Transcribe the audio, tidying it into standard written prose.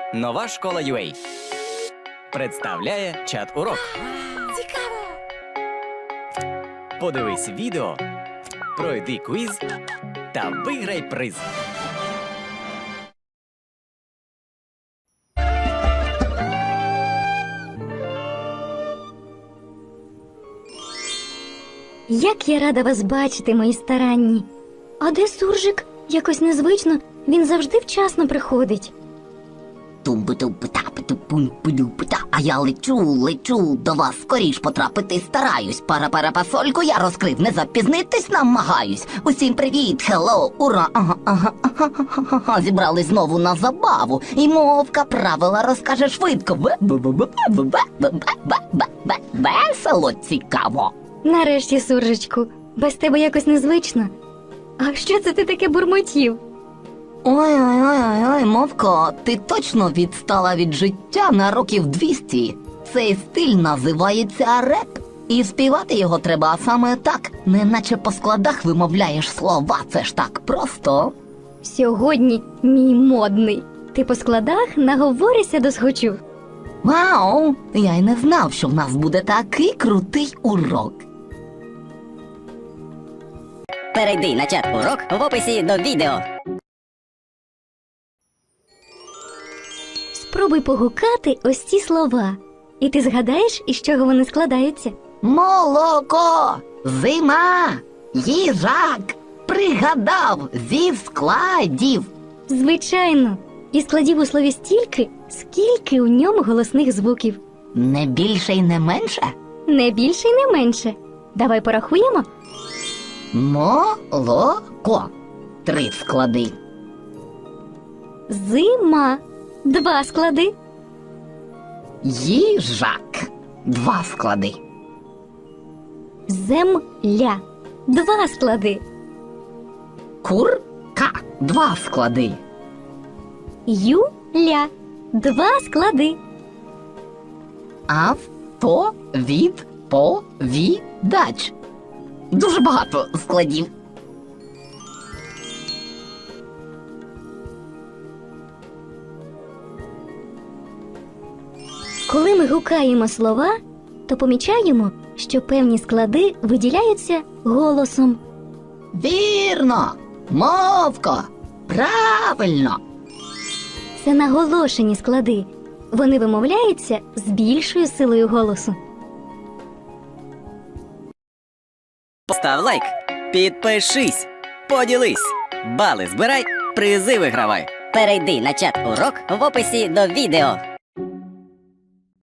Нова школа UA представляє чат-урок. Цікаво! Подивись відео, пройди квіз та виграй приз. Як я рада вас бачити, мої старанні. А де суржик? Якось незвично, він завжди вчасно приходить. Тумбу-тумбу-та-пу-ту-пум-пу-ду-пу-та. А я лечу до вас скоріш потрапити стараюсь. Пара-пара-пасольку я розкрив, не запізнитись намагаюсь. Усім привіт, хеллоу, ура, ага. Зібрались знову на забаву. І мовка правила розкаже швидко. Весело, цікаво. Нарешті, суржичку, без тебе якось незвично. А що це ти таке бурмотів? Ой, мовко, ти точно відстала від життя на років 200. Цей стиль називається реп. І співати його треба саме так, неначе по складах вимовляєш слова. Це ж так просто. Сьогодні мій модний. Ти по складах наговоришся досхочу. Вау! Я й не знав, що в нас буде такий крутий урок. Перейди на чат-урок в описі до відео. Спробуй погукати ось ці слова. І ти згадаєш, із чого вони складаються. Молоко, зима, їжак, пригадав зі складів. Звичайно, і складів у слові стільки, скільки у ньому голосних звуків. Не більше й не менше. Не більше й не менше. Давай порахуємо. Молоко. 3 склади. Зима. 2 склади. Їжак. 2 склади. Земля. 2 склади. Курка. 2 склади. Юля. 2 склади. Автовідповідач. Дуже багато складів. Коли ми гукаємо слова, то помічаємо, що певні склади виділяються голосом. Вірно, мовко, правильно. Це наголошені склади. Вони вимовляються з більшою силою голосу. Постав лайк, підпишись, поділись, бали збирай, призи вигравай. Перейди на чат-урок в описі до відео.